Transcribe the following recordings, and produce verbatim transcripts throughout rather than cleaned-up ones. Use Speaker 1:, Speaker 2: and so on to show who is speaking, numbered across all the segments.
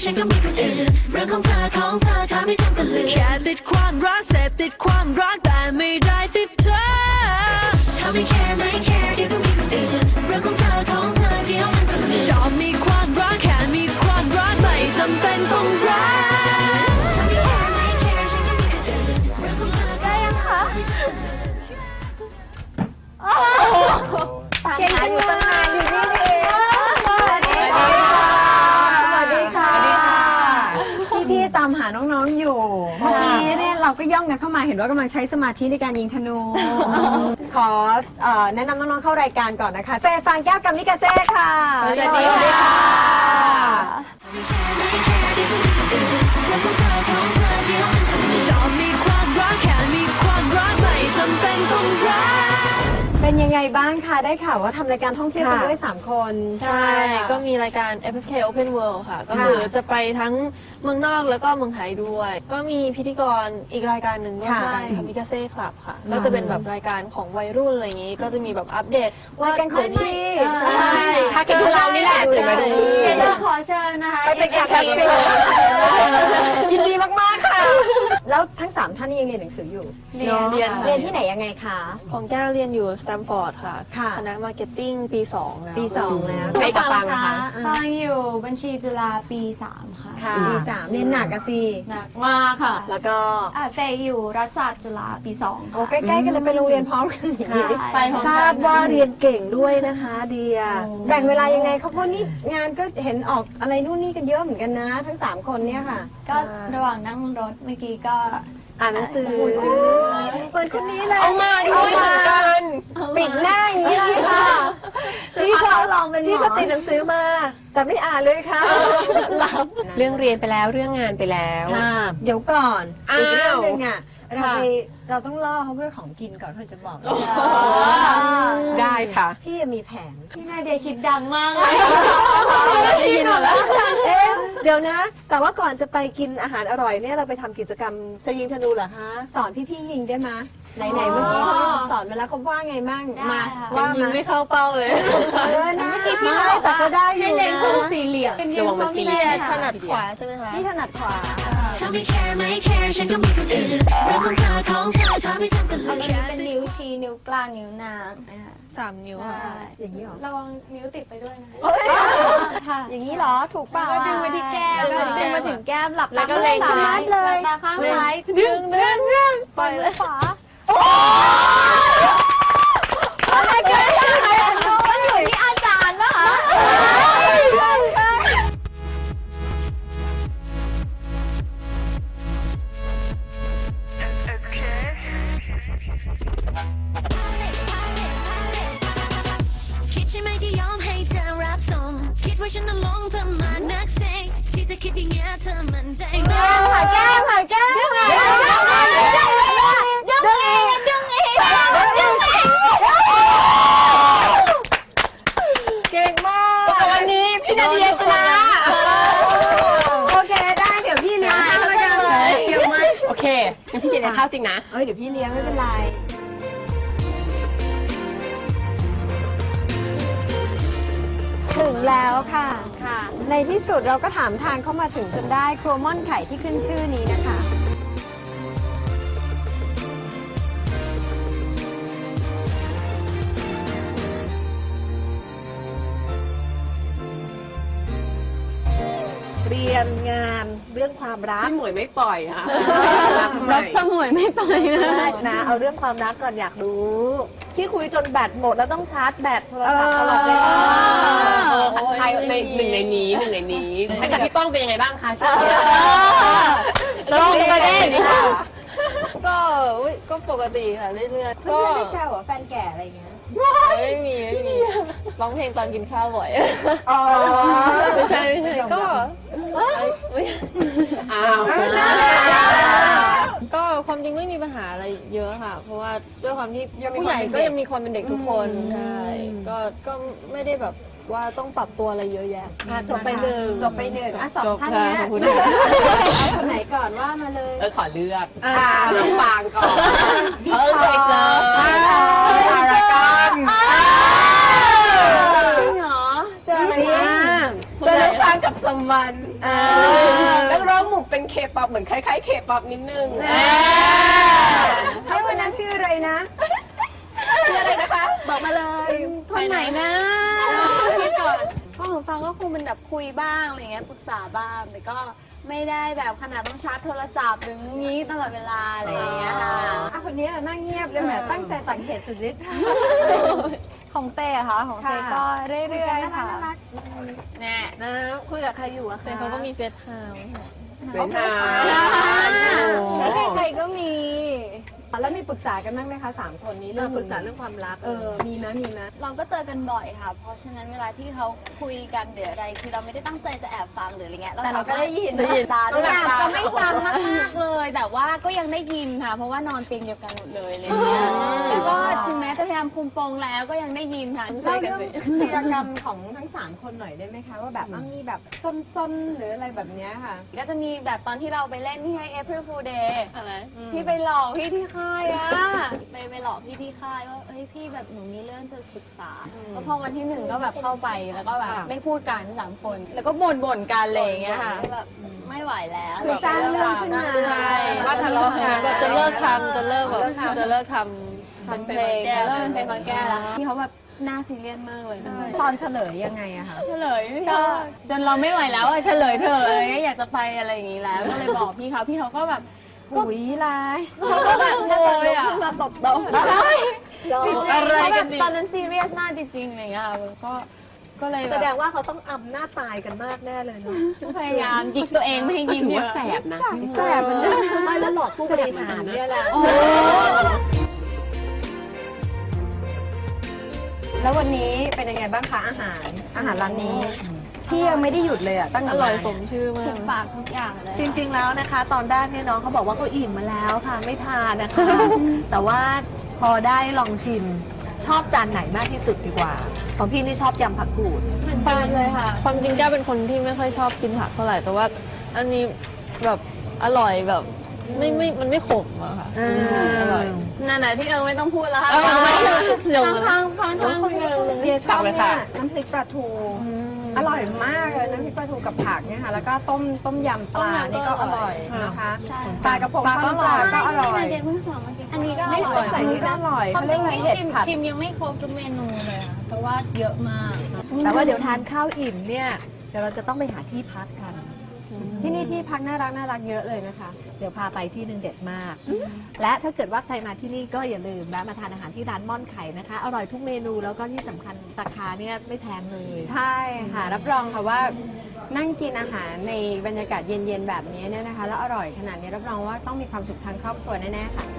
Speaker 1: ฉันก็มีคนอื่นเรื่องของเธอของเธอทำให้ทำกันลืมแค่ติดความรักเสพติดความรักแต่ไม่ได้ติดเธอถ้าไม่ care ไม่ care เดี๋ยวก็มีคนอื่นเรื่องของเธอของเธอเดี๋ยวมันก็ลืมชอบมีความรักแค่มีความรักไม่จำเป็นต้องรัก
Speaker 2: เก่งจังเลยอยู่นี่เองสวัสดีค่ะสวัสดีค่ะพี่ๆตามหาน้องๆอยู่เมื่อกี้เนี่ยเราก็ย่องกันเข้ามาเห็นว่ากำลังใช้สมาธิในการยิงธนูขอแนะนำน้องๆเข้ารายการก่อนนะคะเฟย์ฟางแก้วกัมมิกาเซ่ค่ะ
Speaker 3: สวัสดีค่ะ
Speaker 1: ชอบมีความรักแค่มีความรักไม่จำเป็นต้องรัก
Speaker 2: เป็นยังไงบ้างคะได้ข่าวว่าทำรายการท่องเที่ยวกันด้วยสามคน
Speaker 3: ใช่ก็มีรายการ เอฟ เอฟ เค Open World ค่ะก็คือจะไปทั้งเมืองนอกแล้วก็เมืองไทยด้วยก็มีพิธีกรอีกรายการหนึ่งด้วยรายการคามิกาเซ่คลับค่ะก็จะเป็นแบบรายการของวัยรุ่นอะไรอย่างนี้ก็จะมีแบบอัปเดต
Speaker 2: ว่ากันของพี่
Speaker 3: ใช่ถ้ากินของเรานี่แหละตื่นมาดู
Speaker 4: เราขอเชิญนะคะ
Speaker 2: ไปเป็นแขกรับเชิญยินดีมากๆค่ะแล้วทั้งสามท่านนี้ยังเรียนหนังสืออยู่
Speaker 3: เรียนเรียน
Speaker 2: เรียนที่ไหนยังไงคะ
Speaker 3: ของแก้วเรียนอยู่สแตมฟอร์ดค่ะคณะมาร์เก็ตติ้งปีสองแล้ว
Speaker 2: ปีสองแล้ว
Speaker 3: ไปกับฟังนะคะ
Speaker 4: ฟังอยู่บัญชีจุฬาปีสามค่ะ
Speaker 2: ปีสามเรียนหนักอะสิ
Speaker 4: หนักมากค่ะ
Speaker 2: แล้วก็
Speaker 4: เฟยอยู่รัฐศาสตร์จุฬาปีสอง
Speaker 2: โอ้ใกล้ๆกันเลยไปโรงเรียนพร้อมกันอย่างนี้
Speaker 4: ไป
Speaker 3: ทราบว่าเรียนเก่งด้วยนะคะเดีย
Speaker 2: แบ่งเวลายังไงเขาเพราะนี่งานก็เห็นออกอะไรนู่นนี่กันเยอะเหมือนกันนะทั้งสามคนเนี่ยค่ะ
Speaker 4: ก็ระหว่างนั่งรถเมื่อกี้ก็
Speaker 2: อ่านหนังสือเปิดคนนี้เลย
Speaker 3: เอามาด้วยเหมือนกัน
Speaker 2: ปิดหน้าอย่างนี้เลยค่ะพี่เขาลองเป็นพี่เขาติดหนังสือมาแต่ไม่อ่านเลยค่ะ
Speaker 3: เรื่องเรียนไปแล้วเรื่องงานไปแล้ว
Speaker 2: เดี๋ยวก่อนอีกเรื่องนึงอ่ะเราไปเราต้องล่อเขาเพื่อของกินก่อนเพื่อจะบอก
Speaker 3: ได้ค่ะ
Speaker 2: พี่มีแผน
Speaker 4: พี่นาเดียคิดดังมากเลย
Speaker 3: ได้ยินหมดแล้ว
Speaker 2: เอ๊ะเดี๋ยวนะแต่ว่าก่อนจะไปกินอาหารอร่อยเนี่ยเราไปทำกิจกรรมจะยิงธนูเหรอคะสอนพี่ๆยิงได้ไหมไหนๆเมื่อกี้เขาสอนไปแล้วเขาว่าไงบ้างมา
Speaker 3: ว่ายิงไม่เข้าเป้าเลย
Speaker 2: เออนะเมื่อกี้พี่แต่ก็ได้อยู่นะ
Speaker 4: เล่นคู่สี่เหลี่ยม
Speaker 3: ระวังมันตีถนัดขวาใช่ไหมคะ
Speaker 2: พี่ถนัดขวา
Speaker 1: ถ้าไม่ care ไม่ care ฉันก็มีคนอื่นเรื่องของเธอของเธอทำให้ทำกันลืม
Speaker 4: อันนี้เป็นนิ้วชี้นิ้วกลางนิ้วนางนะคะ
Speaker 3: สามนิ้วค่ะ
Speaker 2: อย่างนี้หรอ
Speaker 4: ระวังนิ้วติดไปด้วยนะ
Speaker 2: ค่ะอย่างนี้หรอถูกเปล่า
Speaker 4: ดึงไปที่แก้มดึงมาถึงแก้มหลับตา
Speaker 3: ก็เล็ง
Speaker 2: สามารถเลย
Speaker 4: ตาข้างซ้าย
Speaker 2: ดึงดึงดึง
Speaker 4: ปล่อยเลยขวา
Speaker 2: อะไรกัน
Speaker 4: มันอยู่ที่อาจารย์ป่ะคะ
Speaker 1: คิดใช่ไหมที่ยอมให้เธอรับส่งคิดว่าฉันน่ะหลงเธอมานักเซงที่จะคิดอย่างเงี้ยเธอมันใจไหม
Speaker 2: หาแก้มหาแก้มดึงอีกดึงอีกดึงอีกดึงอีกเก่งมาก
Speaker 3: แต่วันนี้พี่นาเดียชนะ
Speaker 2: โอเคได้เดี๋ยวพี่เลี้ยงให้แล้วกันเดี๋ยวไหม
Speaker 3: โอเคงั้นพี่เดียเข้าจริงนะ
Speaker 2: เอ้ยเดี๋ยวพี่เลี้ยงไม่เป็นไรถึงแล้วค่ะค่ะในที่สุดเราก็ถามทางเข้ามาถึงจนได้ครัวม่อนไข่ที่ขึ้นชื่อนี้นะคะเรียนงานเรื่องความรัก
Speaker 3: พี่หมวยไม่ปล่อยค่ะ
Speaker 2: รักพี่หมวยไม่ปล่อยนะเอาเรื่องความรักก่อนอยากรู้ที่คุยจนแบตหมดแล้วต้องชาร์จแบตโทรศัพท์ตลอดเวลา
Speaker 3: ใครในหนึ่งในนี้หนึ่งในนี้ให้กับพี่ป้องเป็นยังไงบ้างคะช่วงนี้
Speaker 2: ลองประเด็นค่ะ
Speaker 3: ก็ก็ปกติค่ะเรื่อยๆ
Speaker 2: ก็ไม่แซวเหรอแฟนแก่อะไรเงี้ย
Speaker 3: ไม่มีไม่มีร้องเพลงตอนกินข้าวบ่อย
Speaker 2: อ๋อ
Speaker 3: ไม่ใช่ไม่ใช่ก็อ้าวก็ความจริงไม่มีปัญหาอะไรเยอะค่ะเพราะว่าด้วยความที่ผู้ใหญ่ก็ยังมีความเป็นเด็กทุกคนใช่ก็ก็ไม่ได้แบบว่าต้องปรับตัวอะไรเยอะแยะ
Speaker 2: จบไปหนึ่งจบไปหนึ่งอ่ะสองท่านนี้คนไหนก่อนว่ามาเลย
Speaker 3: เออขอเลือกเลือกฟางก่อนเออเคยเจอ
Speaker 2: พารากอนจริงเหรอเจออะไร
Speaker 3: เจอฟางกับสมัน
Speaker 5: นักร้องหมู่เป็นเคป๊อปเหมือนคล้ายๆเคป๊อปนิดนึง
Speaker 2: ให้วันนั้นชื่ออะไรนะ
Speaker 5: ชื่ออะไรนะคะ
Speaker 4: บอกมาเลยคนไหนนะคิดก่อนก็ของฟังก็คงเป็นแบบคุยบ้างอะไรเงี้ยปรึกษาบ้างแต่ก็ไม่ได้แบบขนาดต้องชาร์จโทรศัพท์หรืองี้ตลอดเวลาอะไรอย่างเงี้ยค่ะ
Speaker 2: อ่ะคนนี้นั่งเงียบเลยแหมตั้งใจตักเหตุสุดฤทธิ์
Speaker 4: ของเต้อะคะของเต้ก็เรื่อยๆค่ะ
Speaker 3: แน่นะคุยกับใครอยู่อะเฟยเขาก็มีเฟซไทม์
Speaker 5: เป็นทาง
Speaker 4: ไม่ใช่ใครก็มี
Speaker 2: แล้วมีปรึกษากันบ้างไหมคะสามคนนี้
Speaker 5: เรื่องปรึกษาเรื่องความรัก
Speaker 2: เออมีไหมมีไหม
Speaker 4: เราก็เจอกันบ่อยค่ะ เพราะฉะนั้นเวลาที่เขาคุยกันหรืออะไรคือเราไม่ได้ตั้งใจจะแอบฟังหรืออะไรเงี้ย
Speaker 2: แต่เราก็ได้ยิน
Speaker 4: ได้ยินตา
Speaker 6: อยากจะไม่ฟังมากๆเลย แต่ว่าก็ยังได้ยินค่ะ เพราะว่านอนเตียงเดียวกันหมดเลยอะไรอย่างเงี้ยแล้วก็ถึงแม้จะพยายามคุมโปงแล้วก็ยังได้ยินค่ะ
Speaker 2: เล่าเรื่องวีรกรรมของทั้งสามคนหน่อยได้ไหมคะ ว่าแบบมีแบบซนๆหรืออะไรแบบเนี้ยค่ะ
Speaker 6: ก็จะมีแบบตอนที่เราไปเล่นที่ให้ April Fool Day
Speaker 3: อะไร
Speaker 6: ที่ไปหลอกพี่ที่ค่ายอะ
Speaker 4: ไปไปหลอกพี่ที่ค่ายว่าเฮ้ยพี่แบบหนูมีเรื่องจะปรึกษา
Speaker 6: แล้วพอวันที่หนึ่งก็แบบเข้าไปแล้วก็แบบไม่พูดกันสามคน แล้วก็บ่นบ่นๆกันอะไรอย่างเงี้ยค่ะ
Speaker 4: แบบไม่ไหวแล้ว
Speaker 2: คือสร้างเรื่องขึ้นมา
Speaker 3: ใช่
Speaker 5: ว่าทะเลาะกัน
Speaker 3: แบบจะเลิกทำจะเลิกแบบจะเลิกทำเป็น
Speaker 6: ทำเพ
Speaker 3: เพ
Speaker 6: ล
Speaker 3: ล
Speaker 6: ง
Speaker 3: งแก้ว
Speaker 6: เริ่มเป็นบางแก้วแล้วที่เขาแบบหน้าซีเรียสมากเลย
Speaker 2: ตอนเฉลยยังไงอะคะ
Speaker 6: เฉลยก็จนเราไม่ไหวแล้วอะเฉลยเถอะอะไรเงี้ยอยากจะไปอะไรอย่างงี้แล้ว ก็เลยบอกพี่เขาพี่เขาก็แบบ
Speaker 2: หุยร้าย
Speaker 6: เขาก็แบบโวยอ่ะ
Speaker 4: มาตบโต๊ะ
Speaker 3: อะไรกัน
Speaker 6: แบบ
Speaker 3: ดิ
Speaker 6: ตอนนั้นซีเรียสมากจริงๆอะไรเงี้ยก็ก็เลย
Speaker 5: แส
Speaker 6: แบบ
Speaker 5: ดงว่าเขาต้องอำหน้าตายกันมากแน่เลยเนาะ
Speaker 6: พยายามหยิกตัวเองไม่ให้ยิ้มเยอะ
Speaker 5: แสบนะ
Speaker 2: แสบมันนะไม่แล้วหลอกผู้บริหารเนี่ยแหละแล้ววันนี้เป็นยังไงบ้างคะอาหาร อาหารร้านนี้ พี่ยังไม่ได้หยุดเลยอะตั้ง
Speaker 3: อ
Speaker 2: แต่
Speaker 3: ร่อย
Speaker 2: มา
Speaker 3: สมชื่อมา
Speaker 4: ถู
Speaker 3: ก
Speaker 4: กปากทุกอย่างเลย
Speaker 5: จริงๆแล้วนะคะ ตอนแรกเนี่ยน้องเขาบอกว่าเขาอิ่มมาแล้วค่ะไม่ทานนะคะ แต่ว่าพอได้ลองชิมชอบจานไหนมากที่สุดดีกว่า ของพี่นี่ชอบยำผักกูด
Speaker 6: เหมือนกันเลยค่ะ
Speaker 3: ความจริงแก้วเป็นคนที่ไม่ค่อยชอบกินผักเท่าไหร่แต่ว่าอันนี้แบบอร่อยแบบไม่ไม่มันไม่ขมอะค่ะอร่อย
Speaker 6: นั่นแหละที่เออไม่ต้องพูดแล้วค่ะ
Speaker 3: เออไม่เดี๋ยว
Speaker 6: ข้างๆข้างๆข้างๆไปเลย
Speaker 2: เดียชอบเนี่ยน้ำพริกปลาทู อร่อยมากเลยน้ำพริกปลาทูกับผักเนี่ยค่ะ แล้วก็ต้มต้มยำปลานี่ก็อร่อยนะคะปลากระพงทอดปลาก็อร่อย
Speaker 4: เด็กเพิ่งสอนเมื่อกี้อันนี้ก็อ
Speaker 2: นี่
Speaker 4: ร่อย
Speaker 2: ใส่นี่ก็อร่อย
Speaker 4: ความจริงนี่
Speaker 2: เห็ด
Speaker 4: ชิม
Speaker 2: ผัด
Speaker 4: ชิมยังไม่ครบทุกเมนูเลยค่ะเพราะว่าเยอะมาก
Speaker 5: แต่ว่าเดี๋ยวทานข้าวอิ่มเนี่ยเดี๋ยวเราจะต้องไปหาที่พักกัน
Speaker 2: ที่นี่ที่พักน่ารักน่ารักเยอะเลยนะคะ
Speaker 5: เดี๋ยวพาไปที่หนึ่งเด็ดมาก และถ้าเกิดว่าใครมาที่นี่ก็อย่าลืมแวะมาทานอาหารที่ร้านม่อนไข่นะคะ อร่อยทุกเมนูแล้วก็ที่สำคัญราคาเนี่ยไม่แพงเลย
Speaker 2: ใช่ค่ะ รับรองค่ะว่านั่งกินอาหารในบรรยากาศเย็นๆแบบนี้เนี่ยนะคะ แล้วอร่อยขนาดนี้รับรองว่าต้องมีความสุขทางครอบครัวแน่ๆค่ะ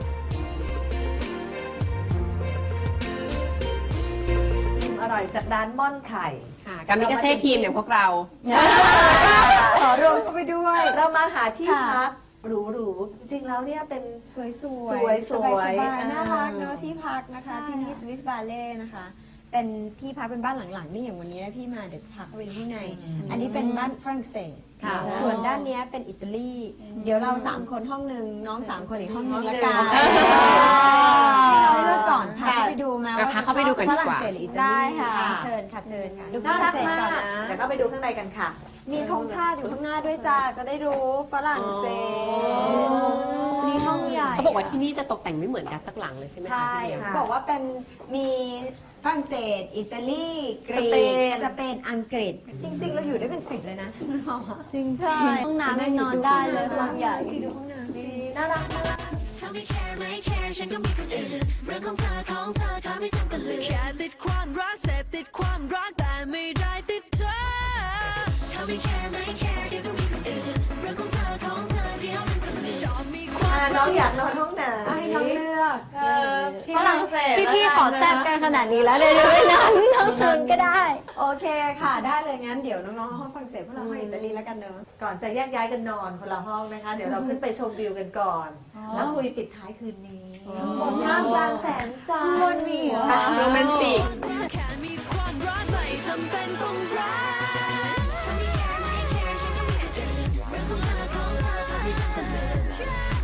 Speaker 5: อร่อยจากร้านม่อนไข่กามิกาเซ่ทีมอย่างพวกเรา
Speaker 2: ขอรวมเข้าไปด้วย
Speaker 5: เรามาหาที่พักหรูๆจริงๆแล้วเนี่ยเป็น
Speaker 2: สวยๆ
Speaker 5: สวยๆ
Speaker 2: สบายๆ
Speaker 5: อ่า
Speaker 2: น่ารักเนอะที่พักนะคะ ที่นี่สวิสบาเล่นะคะ เป็นที่พักเป็นบ้านหลังๆนี่อย่างวันนี้พี่มาเดี๋ยวจะพาเข้าไปข้างใน อันนี้เป็นบ้านฝรั่งเศส
Speaker 5: ค่ะ
Speaker 2: ส่วนด้านเนี้ยเป็นอิตาลี เดี๋ยวเราสามคนห้องหนึ่งน้องสามคนอีกห้องหนึงละกัน
Speaker 5: ใช่
Speaker 2: ให้น้องเลือกก่อนพาเข้าไปดูมา
Speaker 5: พาเข้าไปดูกันดีกว่า
Speaker 2: ฝรั่งเศสหรืออิตาลี
Speaker 6: ได้ค่ะ
Speaker 2: เชิญค่ะเชิญค่ะดูฝ
Speaker 5: น่า
Speaker 2: รั่
Speaker 5: รั
Speaker 2: ง
Speaker 5: ก
Speaker 2: เศส
Speaker 5: มา
Speaker 2: ก่อน
Speaker 5: ก
Speaker 2: นะ
Speaker 5: เดี๋ยวก็ไปดูข้างในกันค่ะ
Speaker 2: มีธงชาติอยู่ข้างหน้าด้วยจ้าจะได้รู้ฝรั่งเศส
Speaker 4: นี่ห้องใหญ่
Speaker 7: เขาบอกว่าที่นี่จะตกแต่งไม่เหมือนกันสักหลังเลยใช่ไหมคะ
Speaker 2: ใช่
Speaker 7: พี่เดียว
Speaker 2: ค่ะบอกว่าเป็นมีฝรั่งเศส อิตาลีกรี
Speaker 5: สเป
Speaker 2: ก
Speaker 5: น
Speaker 2: สเปนอังกฤษ จริง ๆ เราอยู่ได้เป็นสิบเลยนะ
Speaker 4: จริงใช่ห้องน้ำยังนอนได้เลยห้องใหญ่
Speaker 2: ดูห้องน้ำสิ
Speaker 5: น่ารักมาก
Speaker 1: เธอไม่แคร์ไม่แคร์ฉันก็มีคนอื่นเรื่องของเธอของเธอเธอไม่ต้องกันเลยแค่ติดความรักเสพติดความรักแต่ไม่ได้ติดเธอเธอไม่แคร์ไม่แคร์เดี๋ยวก็มีคนอื่นเรื่องของเธอของเธอเดี๋ยวมันก็ลืมชอบมีความ
Speaker 5: อ่าน้องอยากนอนห้องไหน
Speaker 2: ให้น้องเลือก
Speaker 4: ฝรั่งเศสพี่ๆขอแซบกันขนาดนี้แล้วเดี๋ยวไปนอนทั้งคืนก็ได้
Speaker 2: โอเคค่ะ ได้เลยงั้นเดี๋ยวน้องๆห้องฝรั่งเศสพวกเราห้องอิตาลีแล้วกันเนอะ
Speaker 5: ก่อนจะแยกย้ายกันนอนคนละห้องนะคะ เดี๋ยวเราขึ้นไปชมวิวกันก่อน แล้วคุยปิดท้ายคืนนี้
Speaker 2: บนท่ามกลางแสงจันทร์
Speaker 6: บนมีเหรอ
Speaker 7: โรแมนติก
Speaker 1: แค่มีความรักไม่จำเป็นต้องรักเธอไม่แคร์ไม่แคร์ฉันก็มีคนอื่นเรื่องของเธอของเธอเธอไม่ต้องกันเลยเธ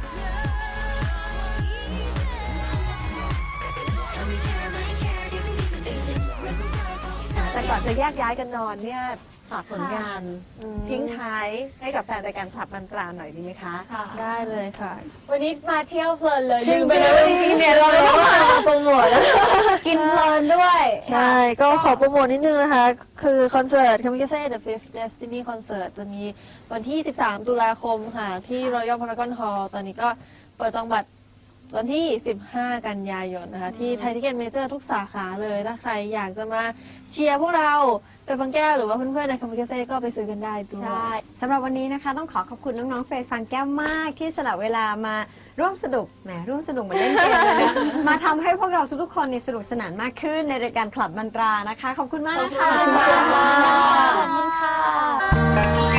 Speaker 1: อไม่แคร์ไม่แคร์เดี๋ยวก็มีคนอื่นเรื่องของเธอของเธอ
Speaker 5: แต่ก่อนจะแยกย้ายกันนอนเนี่ย
Speaker 2: ฝากผลงานทิ้งท้ายให้กับแฟนรายการคลับมันตราหน่อยดีไหมคะ
Speaker 3: ได้เลยค่ะ
Speaker 6: วันนี้มาเที่ยวเพลินเลย
Speaker 2: จริ
Speaker 6: ลื
Speaker 2: ง
Speaker 6: ม
Speaker 2: ไป
Speaker 6: ไป
Speaker 2: เล
Speaker 6: เลย ย
Speaker 2: จริงๆเนี่ยเราต้องมาโปรโมทแล้ว
Speaker 4: กินเพลินด้วย
Speaker 3: ใช่ ก็ขอโปรโมทนิดนึงนะคะ คือคอนเสิร์ต Kamikaze The Fifth Destiny Concert จะมีวันที่ สิบสาม ตุลาคมค่ะ ที่ Royal Paragon Hall ตอนนี้ก็เปิดจองบัตรวันที่ สิบห้า กันยายนนะคะ ที่ไทยทิเก็ตเมเจอร์ทุกสาขาเลย ถ้าใครอยากจะมาเชียร์พวกเราเป็นบางแก้วหรือว่าเพื่อนๆใน Kamikaze ก็ไปซื้อกันได้ด้วย
Speaker 2: ใช่สำหรับวันนี้นะคะ ต้องขอขอบคุณน้องๆเฟยฟังแก้วมากที่สละเวลามาร่วมสนุกแหมร่วมสนุกเหมือนเล่นเกมเลยนะมาทำให้พวกเราทุกๆคนเนี่ยสนุกสนานมากขึ้นในรายการคลับมันตรานะคะ ขอบคุณมากนะคะ
Speaker 3: ขอบคุณค่ะ
Speaker 4: ขอบคุณค่ะ